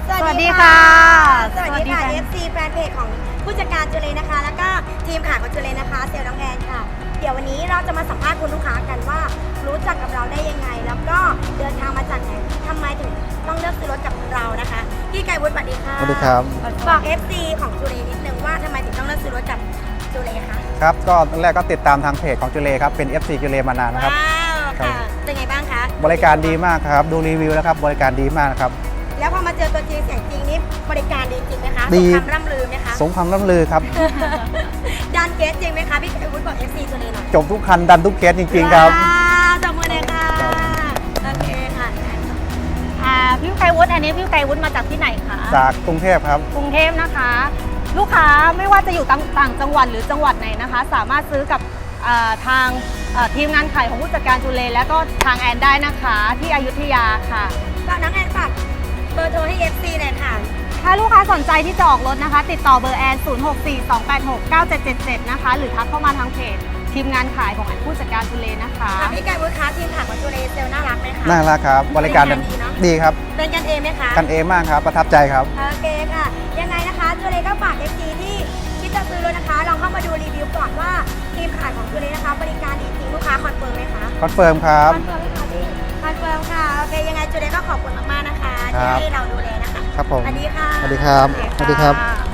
สวัสดีค่ะสวัสดีค่ะ FC แฟนเพจของผู้จัดการจุเลนะคะ แล้วก็ทีมขายของจุเลนะคะเซลล์น้องแอนค่ะ เดี๋ยววันนี้เราจะมาสัมภาษณ์คุณลูกค้ากันว่ารู้จักกับเราได้ยังไง แล้วก็เดินทางมาจากไหนทำไมถึงต้องเลือกซื้อรถกับเรานะคะพี่ไก่วุฒิสวัสดีค่ะสวัสดีครับบอก FC ของจุเลนิดนึงว่าทำไมถึงต้องเลือกซื้อรถกับจุเลคะครับก็ตอนแรกก็ติดตามทางเพจของจุเลครับเป็น FC จุเลมานานนะครับว้าวครัค่ะบเป็นไงบ้างคะบริการดีมากครับดูรีวิวแล้วครับบริการดีมากนะครับแล้วพอมาเจอตัวจริงเสียงจริงนี่บริการดีจริงไหมคะดีสมคำร่ำลือไหมคะสมความร่ำลือครับดันเกสจริงไหมคะพี่ไก่วุฒิบอก FC จุเลหน่อยจบทุกคันดันทุกเคสจริงๆครับว้าวจับมือเลยค่ะ โอเคค่ะพี่ไกรวุฒิอันนี้พี่ไกรวุฒิมาจากที่ไหนคะจากกรุงเทพครับกรุงเทพนะคะ ลูกค้าไม่ว่าจะอยู่ต่างจังหวัดหรือจังหวัดไหนนะคะ สามารถซื้อกับทางทีมงานขายของผู้จัดการจุเลและก็ทางแอนได้นะคะที่อยุธยาค่ะก็น้องแอนฝากเบอร์โทรให้ FC หน่อยค่ะถ้าลูกค้าสนใจที่จะออกรถนะคะ ติดต่อเบอร์แอน 0642869777 นะคะ หรือทักเข้ามาทางเพจทีมงานขายของแอนผู้จัดการจุเลนะคะพี่ไก่วุฒิคะทีมขายของจุเลเซลน่ารักไหมคะน่ารักครับบริการบริการดีเนอะดีครับเป็นกันเองไหมคะกันเองมากครับประทับใจครับโอเคค่ะ ยังไงนะคะจุเลก็ฝาก FC ที่คิดจะซื้อรถนะคะ ลองเข้ามาดูรีวิวก่อนว่าทีมขายของจุเลนะคะ บริการดีจริงลูกค้าคอนเฟิร์มไหมคะคอนเฟิร์มครับคอนเฟิร์มไหมคะพี่คอนเฟิร์มค่ะ โอเค ยังไงจุเลก็ขอบคุณมากๆนะคะครัที่บให้เราดูแลนะคะครับผมสวัสดีค่ะสวัสดีครับสวัสดีค่ะ